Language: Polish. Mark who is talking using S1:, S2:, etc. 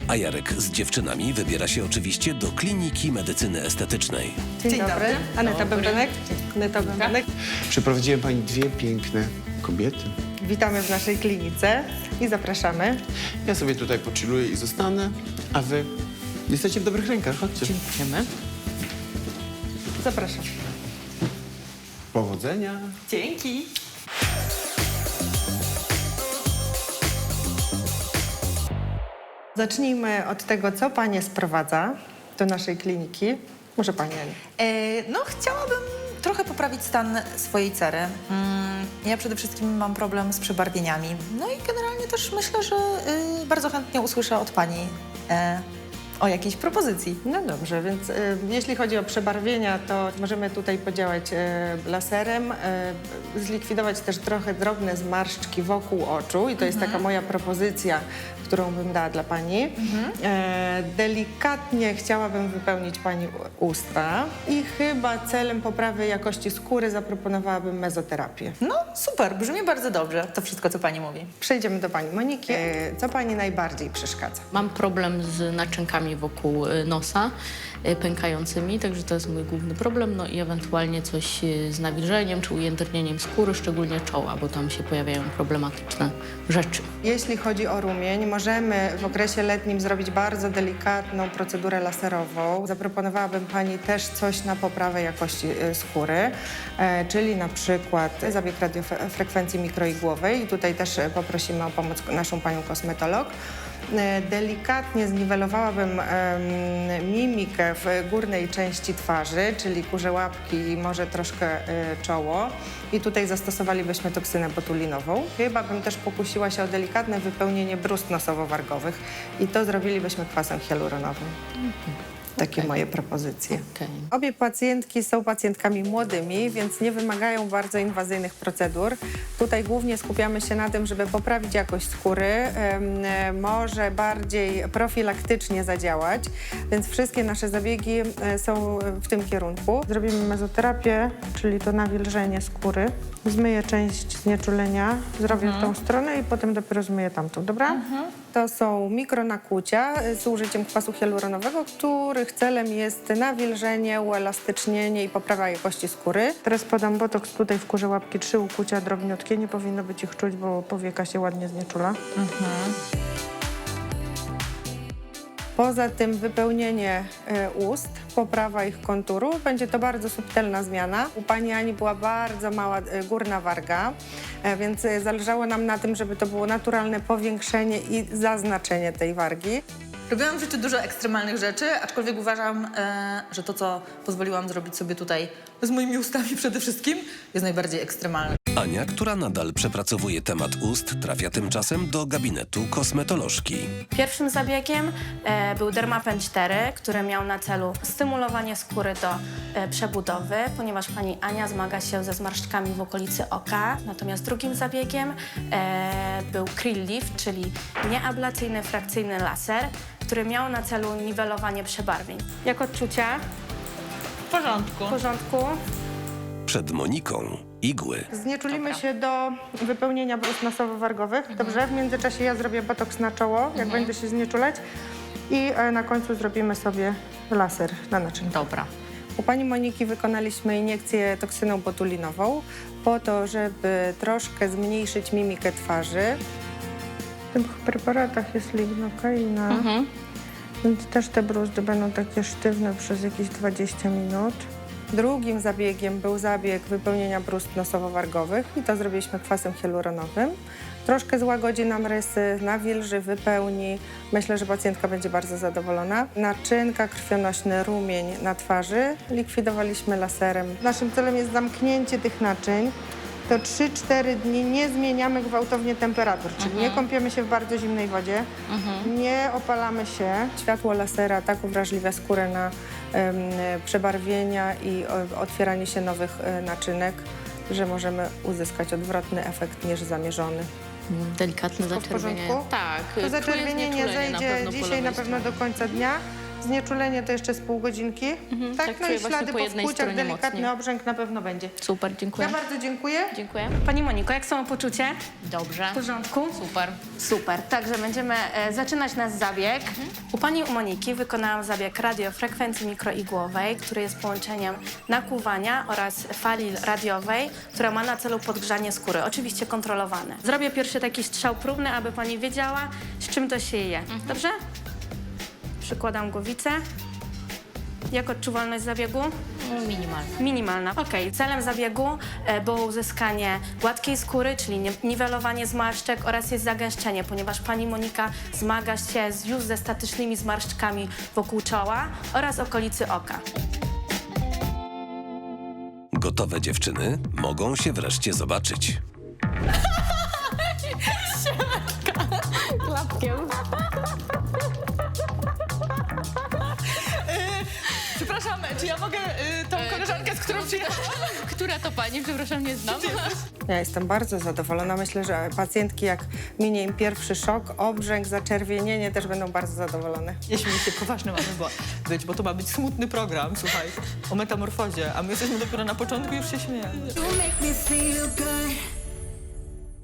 S1: A Jarek z dziewczynami wybiera się oczywiście do Kliniki Medycyny Estetycznej.
S2: Dzień dobry. Aneta Bębenek. Aneta Bębenek.
S3: Przyprowadziłem pani dwie piękne kobiety.
S2: Witamy w naszej klinice i zapraszamy.
S3: Ja sobie tutaj pochilluję i zostanę, a wy jesteście w dobrych rękach. Chodźcie.
S4: Dziękujemy.
S2: Zapraszam.
S3: Powodzenia.
S2: Dzięki. Zacznijmy od tego, co Panie sprowadza do naszej kliniki. Może Pani Aniu.
S4: No, chciałabym trochę poprawić stan swojej cery. Ja przede wszystkim mam problem z przebarwieniami. No i generalnie też myślę, że bardzo chętnie usłyszę od Pani o jakiejś propozycji.
S2: No dobrze, więc jeśli chodzi o przebarwienia, to możemy tutaj podziałać laserem, zlikwidować też trochę drobne zmarszczki wokół oczu i to jest taka moja propozycja, którą bym dała dla Pani. Delikatnie chciałabym wypełnić Pani usta i chyba celem poprawy jakości skóry zaproponowałabym mezoterapię.
S4: No, super, brzmi bardzo dobrze to wszystko, co Pani mówi.
S2: Przejdziemy do Pani Moniki. Co Pani najbardziej przeszkadza?
S5: Mam problem z naczynkami wokół nosa pękającymi, także to jest mój główny problem, no i ewentualnie coś z nawilżeniem czy ujędrnieniem skóry, szczególnie czoła, bo tam się pojawiają problematyczne rzeczy.
S2: Jeśli chodzi o rumień, możemy w okresie letnim zrobić bardzo delikatną procedurę laserową. Zaproponowałabym Pani też coś na poprawę jakości skóry, czyli na przykład zabieg radiofrekwencji mikroigłowej i tutaj też poprosimy o pomoc naszą Panią kosmetolog. Delikatnie zniwelowałabym mimikę w górnej części twarzy, czyli kurze łapki i może troszkę czoło. I tutaj zastosowalibyśmy toksynę botulinową. Chyba bym też pokusiła się o delikatne wypełnienie brust nosowo-wargowych i to zrobilibyśmy kwasem hialuronowym. Takie moje propozycje.
S5: Okej.
S2: Obie pacjentki są pacjentkami młodymi, więc nie wymagają bardzo inwazyjnych procedur. Tutaj głównie skupiamy się na tym, żeby poprawić jakość skóry, może bardziej profilaktycznie zadziałać, więc wszystkie nasze zabiegi są w tym kierunku. Zrobimy mezoterapię, czyli to nawilżenie skóry. Zmyję część znieczulenia, zrobię w tą stronę i potem dopiero zmyję tamtą, dobra? To są mikronakłucia z użyciem kwasu hialuronowego, których celem jest nawilżenie, uelastycznienie i poprawa jakości skóry. Teraz podam botoks tutaj w kurze łapki, 3 ukłucia drobniutkie, nie powinno być ich czuć, bo powieka się ładnie znieczula. Poza tym wypełnienie ust, poprawa ich konturu. Będzie to bardzo subtelna zmiana. U Pani Ani była bardzo mała górna warga, więc zależało nam na tym, żeby to było naturalne powiększenie i zaznaczenie tej wargi.
S4: Robiłam w życiu dużo ekstremalnych rzeczy, aczkolwiek uważam, że to, co pozwoliłam zrobić sobie tutaj z moimi ustami przede wszystkim, jest najbardziej ekstremalne.
S1: Ania, która nadal przepracowuje temat ust, trafia tymczasem do gabinetu kosmetolożki.
S6: Pierwszym zabiegiem był Dermapen 4, który miał na celu stymulowanie skóry do przebudowy, ponieważ pani Ania zmaga się ze zmarszczkami w okolicy oka. Natomiast drugim zabiegiem był Krill Lift, czyli nieablacyjny frakcyjny laser, który miał na celu niwelowanie przebarwień. Jak odczucia?
S4: W porządku.
S6: W porządku.
S1: Przed Moniką igły.
S2: Znieczulimy się do wypełnienia brust nosowo-wargowych. Dobrze, w międzyczasie ja zrobię botoks na czoło, jak będę się znieczulać. I na końcu zrobimy sobie laser na naczynkę.
S5: Dobra.
S2: U Pani Moniki wykonaliśmy iniekcję toksyną botulinową po to, żeby troszkę zmniejszyć mimikę twarzy. W tych preparatach jest lignokaina, więc też te bruzdy będą takie sztywne przez jakieś 20 minut. Drugim zabiegiem był zabieg wypełnienia brust nosowo-wargowych i to zrobiliśmy kwasem hialuronowym. Troszkę złagodzi nam rysy, nawilży, wypełni. Myślę, że pacjentka będzie bardzo zadowolona. Naczynka, krwionośny rumień na twarzy likwidowaliśmy laserem. Naszym celem jest zamknięcie tych naczyń. To 3-4 dni nie zmieniamy gwałtownie temperatur, czyli nie kąpiemy się w bardzo zimnej wodzie, nie opalamy się. Światło lasera tak uwrażliwia skórę na przebarwienia i otwieranie się nowych naczynek, że możemy uzyskać odwrotny efekt niż zamierzony.
S5: Delikatne
S2: Wszystko w
S5: zaczerwienie.
S2: porządku?
S5: Tak.
S2: To
S5: czuję
S2: zaczerwienie nie
S5: znieczulenie
S2: zejdzie
S5: po
S2: dzisiaj
S5: lewej
S2: na pewno do
S5: stronie.
S2: końca dnia. Znieczulenie to jeszcze z pół godzinki. Tak,
S5: tak
S2: no
S5: czuję
S2: i
S5: właśnie
S2: ślady
S5: po
S2: po
S5: jednej
S2: wpłuciach,
S5: stronie
S2: delikatny
S5: mocniej.
S2: obrzęk na pewno będzie.
S5: Super, dziękuję.
S2: Ja bardzo dziękuję.
S5: Dziękuję.
S6: Pani Moniko, jak samopoczucie?
S5: Dobrze.
S6: W porządku?
S5: Super.
S6: Super, także będziemy zaczynać nasz zabieg. U pani Moniki wykonałam zabieg radiofrekwencji mikroigłowej, który jest połączeniem nakłuwania oraz fali radiowej, która ma na celu podgrzanie skóry, oczywiście kontrolowane. Zrobię pierwszy taki strzał próbny, aby pani wiedziała, z czym to się je. Dobrze? Przykładam głowicę. Jak odczuwalność zabiegu?
S5: Minimalnie.
S6: Minimalna. Okej. Celem zabiegu było uzyskanie gładkiej skóry, czyli niwelowanie zmarszczek oraz jest zagęszczenie, ponieważ pani Monika zmaga się już ze statycznymi zmarszczkami wokół czoła oraz okolicy oka.
S1: Gotowe dziewczyny mogą się wreszcie zobaczyć.
S5: Klapkiem.
S4: Przepraszam, czy ja mogę tą koleżankę, z którą przyjechałam?
S5: Która to pani? Przepraszam, nie znam.
S2: Ja jestem bardzo zadowolona. Myślę, że pacjentki, jak minie im pierwszy szok, obrzęk, zaczerwienienie, też będą bardzo zadowolone.
S4: Nie śmiej się, poważny mamy być, bo to ma być smutny program, słuchaj, o metamorfozie, a my jesteśmy dopiero na początku i już się śmiejemy.
S7: You make me feel good.